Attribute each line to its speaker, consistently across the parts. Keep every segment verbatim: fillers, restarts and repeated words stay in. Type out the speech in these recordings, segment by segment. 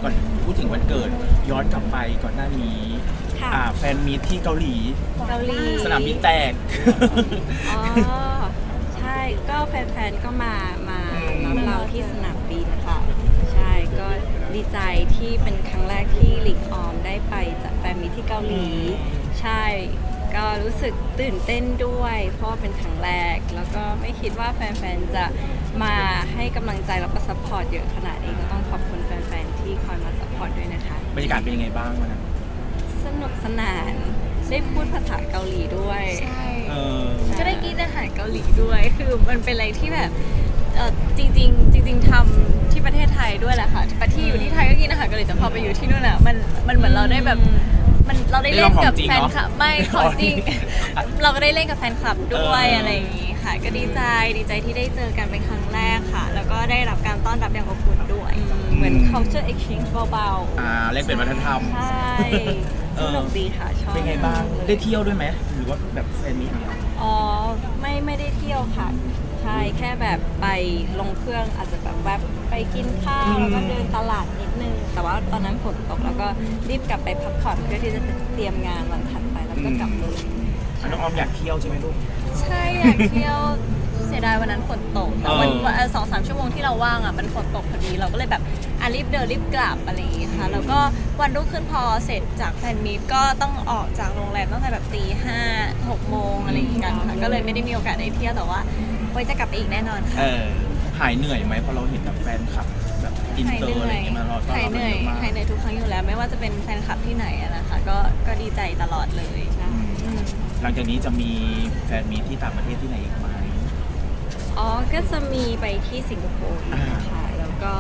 Speaker 1: ก่อนพูดถึงวันเกิดย้อนกลับไปก่อนหน้านี้อ่าแฟนมีตที่เกาหลี
Speaker 2: เกาหลี
Speaker 1: สนามบินแตก
Speaker 2: อ๋อใช่ก็แฟนๆก็มามารับเราที่สนามบินค่ะใช่ก็ดีใจที่เป็นครั้งแรกที่หลิงออมได้ไปจัดแฟนมีตที่เกาหลีใช่ก็รู้สึกตื่นเต้นด้วยเพราะว่าเป็นครั้งแรกแล้วก็ไม่คิดว่าแฟนๆจะมาให้กำลังใจแล้วก็ซัพพอร์ตเยอะขนาดนี้ก็ต้องขอบคุณแฟนๆที่คอยมาซัพพอร์ตด้วยนะคะ
Speaker 1: บรรยากาศเป็นยังไงบ้างวันนั้น
Speaker 2: สนุกสนานได้พูดภาษาเกาหลีด้วย
Speaker 3: ใช่
Speaker 1: อ
Speaker 3: ก็ได้กินอาหารเกาหลีด้วยคือมันเป็นอะไรที่แบบเออจริงๆจริงๆทำที่ประเทศไทยด้วยแหละค่ะที่อยู่ที่ไทยก็กินอาหารเกาหลีแต่พอไปอยู่ที่นู่นอ่ะมันมันเหมือนเราได้แบบมันเราได้เล่นกับแฟนคลับไม่ของจริงเราก็ได้เล่นกับแฟนคลับด้วยอะไรอย่างงี้ค่ะก็ดีใจดีใจที่ได้เจอกันเป็นครั้งแรกค่ะแล้วก็ได้รับการต้อนรับอย่างอบอุ่นด้วย
Speaker 2: เหมือน culture exchange เบาๆ
Speaker 1: อ่าเล่นเป็นวัฒนธรรม
Speaker 2: ใช่สนุกดีค่ะชอบ
Speaker 1: เป็นไงบ้างได้เที่ยวด้วยไหมหรือว่าแบบแฟนมีตอย่างเดียว
Speaker 2: อ๋อไม่ไม่ได้เที่ยวค่ะใช่แค่แบบไปลงเครื่องอาจจะแบบแวบไปกินข้าวแล้วก็เดินตลาดนิดนึงแต่ว่าตอนนั้นฝนตกแล้วก็รีบกลับไปพักผ่อนเพื่อที่จะเตรียมงานวันถัดไปแล้วก็กลับเลย
Speaker 1: น้องออมอยากเที่ยวใช่ไหมลูก
Speaker 3: ใช่อยากเที่ยวเสียดายวันนั้นฝนตกวันวันสองสามชั่วโมงที่เราว่างอ่ะมันฝนตกพอดีเราก็เลยแบบอ่ะรีบเดินรีบกลับอะไรอย่างงี้ค่ะแล้วก็วันรุ่งขึ้นพอเสร็จจากแฟนมีตก็ต้องออกจากโรงแรมตั้งแต่แบบตีห้าหกโมงอะไรอย่างงี้กันค่ะก็เลยไม่ได้มีโอกาสได้เที่ยวแต่ว่าไว้จะกลับไปอีกแน่นอนค่ะ
Speaker 1: เออหายเหนื่อยไหมเพราะเราเห็นแบบแฟนคลับแบบอินเตอร์อะไรอย่างเงี้ยมาเรา
Speaker 3: หายเหนื่อยหายเหนื่อยทุกครั้งอยู่แล้วไม่ว่าจะเป็นแฟนคลับที่ไหนนะคะก็ก็ดีใจตลอดเลยใช่
Speaker 1: หลังจากนี้จะมีแฟนมีตที่ต่างประเทศที่ไหนอีกไหม
Speaker 2: อ๋อก็จะมีไปที่สิงคโปร์ค่ะแล้วก็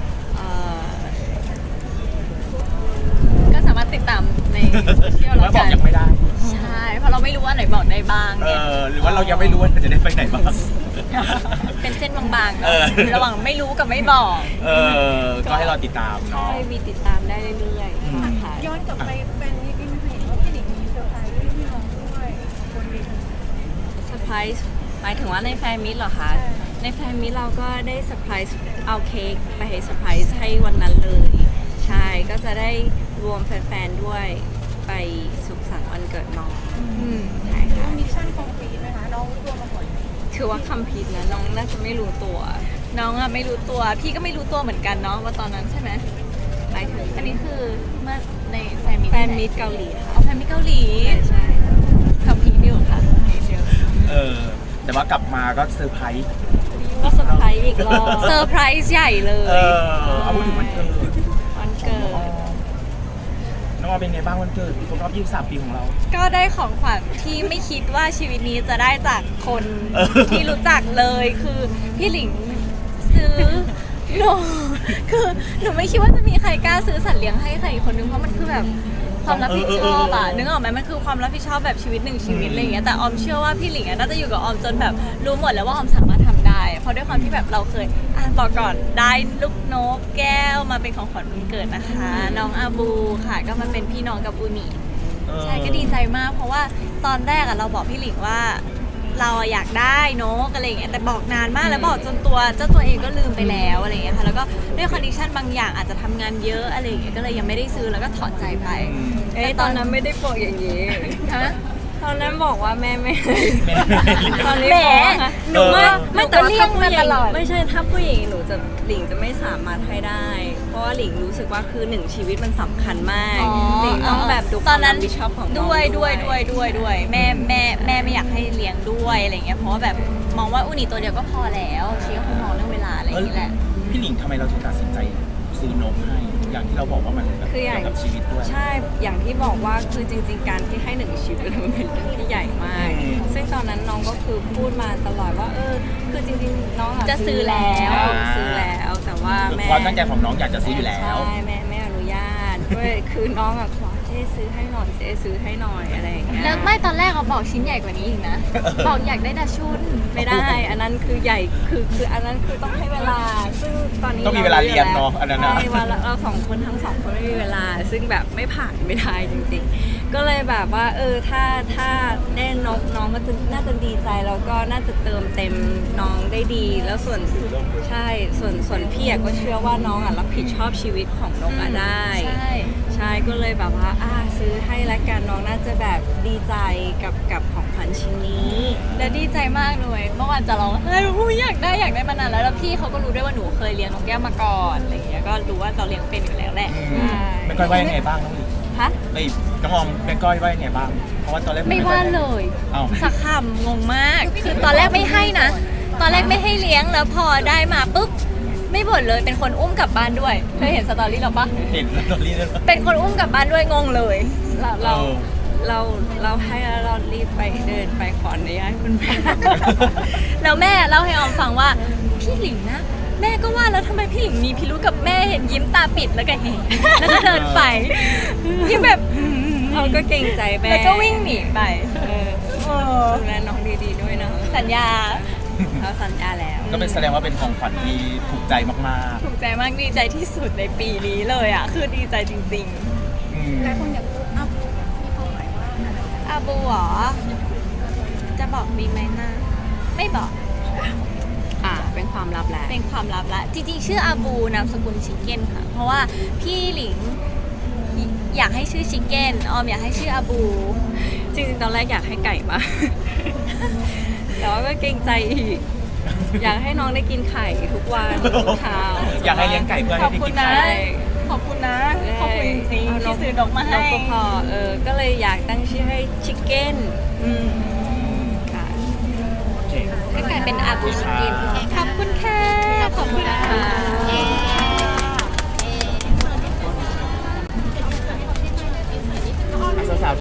Speaker 3: ก็สามารถติดตามในโซเชียล
Speaker 1: แล้วกันบอกยังไม่ได้
Speaker 3: ใช่เพราะเราไม่รู้ว่าไหนบอกได้บ้าง
Speaker 1: เออหรือว่าเรายังไม่รู้ว่าจะได้ไปไหนบ้าง
Speaker 3: เป็นเส้นบางๆเนาะระหว่างไม่รู้กับไม่บอก
Speaker 1: เออก็ให้เราติดตามเนาะ
Speaker 2: ใช่มีติดตามได้เรื่อยๆค่ะ
Speaker 4: ย้อนกลับไปแฟนนี้พี่เห็นว่าพี่หลิงมีเซอร์ไพรส์พี่น้องด้วยบนเวที
Speaker 2: เซอร์ไพรส์หมายถึงว่าในแฟนมิตรเหรอคะในแฟนมิตรเราก็ได้เซอร์ไพรส์เอาเค้กไปให้เซอร์ไพรส์ให้วันนั้นเลยใช่ก็จะได้รวมแฟนๆด้วยไปสุขสันต์วันเกิดน้องใช่ค่ะ
Speaker 4: มิชชั่นคอมพลีทไหมคะน้องรู้ตัวมาก่อน
Speaker 2: ถือว่าคัมพีทนะน้องน่าจะไม่รู้ตัว
Speaker 3: น้องอะไม่รู้ตัวพี่ก็ไม่รู้ตัวเหมือนกันเนาะว่าตอนนั้นใช่ไหม
Speaker 2: หมายถึง
Speaker 3: อันนี้คือเมื่อในแฟนมิตร
Speaker 2: แฟนมิตรเกาหลีค่ะ
Speaker 3: เอาแฟนมิตรเกาหลี
Speaker 2: ใช่
Speaker 3: คัมพีทอยู่ค่ะ
Speaker 1: เออแต่ว่ากลับมาก็เซอร์ไพรส์
Speaker 2: ก็เซอร์ไพรส์อีกรอบ
Speaker 3: เซอร์ไพรส์ใหญ่เลย
Speaker 1: เออเอาพูดถึงวันเกิด
Speaker 2: วันเกิด
Speaker 1: น้องออมเป็นไงบ้างวันเกิดครบรอบยี่สิบสามปีของเรา
Speaker 3: ก็ได้ของขวัญที่ไม่คิดว่าชีวิตนี้จะได้จากคนที่รู้จักเลยคือพี่หลิงซื้อหนูคือหนูไม่คิดว่าจะมีใครกล้าซื้อสัตว์เลี้ยงให้ใครอีกคนนึงเพราะมันคือแบบความรับผิดชอบอะนึกออกไหมมันคือความรับผิดชอบแบบชีวิตหนึ่งชีวิตอะไรอย่างเงี้ยแต่ออมเชื่อว่าพี่หลิงน่าจะอยู่กับออมจนแบบรู้หมดแล้วว่าออมสามารถทำได้เพราะด้วยความที่แบบเราเคยอ่านบอกก่อนได้ลูกนกแก้วมาเป็นของขวัญวันเกิดนะคะน้องอาบูค่ะก็มาเป็นพี่น้องกับอูนิใช่ก็ดีใจมากเพราะว่าตอนแรกอะเราบอกพี่หลิงว่าเราอยากได้นกอะไรอย่างเงี้ยแต่บอกนานมากแล้วบอกจนตัวเจ้าตัวเองก็ลืมไปแล้วอะไรอย่างเงี้ยค่ะแล้วก็ด้วยคอนดิชันบางอย่างอาจจะทำงานเยอะอะไรอย่างเงี้ยก็เลยยังไม่ได้ซื้อแล้วก็ถอดใจไป
Speaker 2: เอ้ยตอนนั้นไม่ได้บอกอย่างนี้
Speaker 3: ฮะ
Speaker 2: ตอนนั้นบอกว่าแม่ไม่ตอนนี้
Speaker 3: แหม
Speaker 2: หนูไม่ไม่แต่ว่าถ้าผู้หญิงไม่ใช่ถ้าผู้หญิงหนูจะหลิงจะไม่สามารถให้ได้เพราะว่าหลิงรู้สึกว่าคือหนึ่งชีวิตมันสำคัญมากหลิงต้องแบบดูความรับผิดชอบของน้อง
Speaker 3: ด้วยด้วยด้วยด้วยด้วยแม่แม่แม่ไม่อยากให้เลี้ยงด้วยอะไรเงี้ยเพราะว่าแบบมองว่าอุนิตัวเดียวก็พอแล้วชีก็คงมองเรื่องเวลาอะไรอย่างนี้แหละ
Speaker 1: พี่หลิงทำไมเราถึงตัดสินใจซื้อนกให้อย่างที่เราบอกว่ามันเกี่ยวกับชีวิตด้วย
Speaker 2: ใช่อย่างที่บอกว่าคือจริงๆการที่ให้หนึ่งชีวิตมันเป็นเรื่องที่ใหญ่มากซึ่งตอนนั้นน้องก็คือพูดมาตลอดว่าเออคือจริงๆน้อง
Speaker 3: จะซื้อแล้ว
Speaker 2: ซื้อแล้วแต่ว่าแม่
Speaker 1: ความตั้งใจของน้องอยากจะซื้ออยู่แล้ว
Speaker 2: ใช่แม่ไม่อนุญาตด้วยคือน้องอะขอเจ๊ซื้อให้หน่อยเจ๊ซื้อให้หน่อยอะไรอย่างเงี้ย
Speaker 3: แล้วไม่ตอนแรกเราบอกชิ้นใหญ่กว่านี้อีกนะบอกอยากได้ดาชุน
Speaker 2: ไม่ได้อันนั้นคือใหญ่คือคืออันนั้นคือต้องให้เวลาซึ่งตอนนี้
Speaker 1: ต้องมีเวลาเรียนเนาะอันนั้นนะ
Speaker 2: ใช่ว่าเราสองคนทั้งสองคนไม่มีเวลาซึ่งแบบไม่ผ่านไม่ได้จริงๆก็เลยแบบว่าเออถ้าถ้าได้นกน้องก็จะน่าจะดีใจแล้วก็น่าจะเติมเต็มน้องได้ดี แล้วส่วนใช่ส่วนส่วนพี่อะก็เชื่อว่าน้องอ่ะรับผิดชอบชีวิตของนกอะได้
Speaker 3: ใช่
Speaker 2: ใช่ก็เลยแบบว่าอ่าซื้อให้ละกันน้องน่าจะแบบดีใจกับกับของขวัญชิ้นนี้
Speaker 3: และดีใจมากเลยเมื่อวานจะร้องไห้อุ้ยอยากได้อยากได้มานานแล้วแล้วพี่เขาก็รู้ด้วยว่าหนูเคยเลี้ยงนกแก้วมาก่อนอะไรอย่างเงี้ยก็รู้ว่าเราเลี้ยงเป็นอยู่แล้วแหละ
Speaker 1: อืมแม่ก้อยว่ายังไงบ้างน้องหลิง
Speaker 2: ฮะ
Speaker 1: ไอ้ยน้องออมแม่ก้อยว่ายังไงบ้างเพราะว่าตอนแรก
Speaker 3: ไม่ว่าเลย
Speaker 1: เอ้า
Speaker 3: สักคำงงมาก คือตอนแรกไม่ให้นะ ตอนแรกไม่ให้เลี้ยงแล้วพอได้มาปุ๊บไม่บ่นเลยเป็นคนอุ้มกลับบ้านด้วยเคยเห็นสตอรี่เราปะ
Speaker 1: เห็นสตอรี่เลยปะ
Speaker 3: เป็นคนอุ้มกลับบ้านด้วยงงเลย
Speaker 2: เราเรา
Speaker 1: เออ
Speaker 2: เราเราให้แล้วเรารีบไปเดินไปขออนุญาตคุณแม่
Speaker 3: แล้วแม่เล่าให้ออมฟังว่าพี่หลิงนะ แม่ก็ว่าแล้วทำไมพี่หลิงมีพิรุธกับแม่เห็นยิ้มตาปิดแล้วก็เห็นแล้วก็เดินไปที่แบบ
Speaker 2: เราก็เกรงใจแม่
Speaker 3: แล้วก็วิ่งหนีไป
Speaker 2: เออ
Speaker 3: เออ
Speaker 2: ดูแลน้องดีๆด้วยเนาะ
Speaker 3: สัญญา
Speaker 2: เราสัญญาแล้ว
Speaker 1: ก็เป็นแสดงว่าเป็นของขวัญที่ถูกใจมาก
Speaker 3: ถูกใจมากดีใจที่สุดในปีนี้เลยอ่ะ คือดีใจจริง
Speaker 1: ๆอืม
Speaker 4: หลายคนอยากรู้อ้าวมีความหมายว่าอะไร
Speaker 3: ๆอาบูเหรอ จะบอกดีไหมนะไม่บอก
Speaker 2: อ่าเป็นความลับแหละ
Speaker 3: เป็นความลับละ จริงๆ ชื่ออาบูนามสกุลชิคเก้นค่ะ เพราะว่าพี่หลิงอยากให้ชื่อชิคเก้นออมอยากให้ชื่ออาบู
Speaker 2: จริงๆตอนแรกอยากให้ไก่มา แต่ว่าก็เกรงใจอีก อยากให้น้องได้กินไข่ทุกวันทุกเช้า
Speaker 1: อยากให้เลี้ยงไก่เพื่อ
Speaker 3: ข
Speaker 1: ให้
Speaker 3: อบ
Speaker 1: ได้
Speaker 3: คุ
Speaker 1: กิ
Speaker 3: ณ
Speaker 1: น
Speaker 3: นะ
Speaker 1: ไข่
Speaker 3: ขอบคุณนะ ขอบคุณจริงๆที่ซื้อนกมาให้
Speaker 2: นกก็พอเออ ก็เลยอยากตั้งชื่อให้ชิคเก้น
Speaker 3: อืม
Speaker 2: ค่ะ
Speaker 1: โอเค
Speaker 3: ก็กลายเป็นอาบูชิคเก้น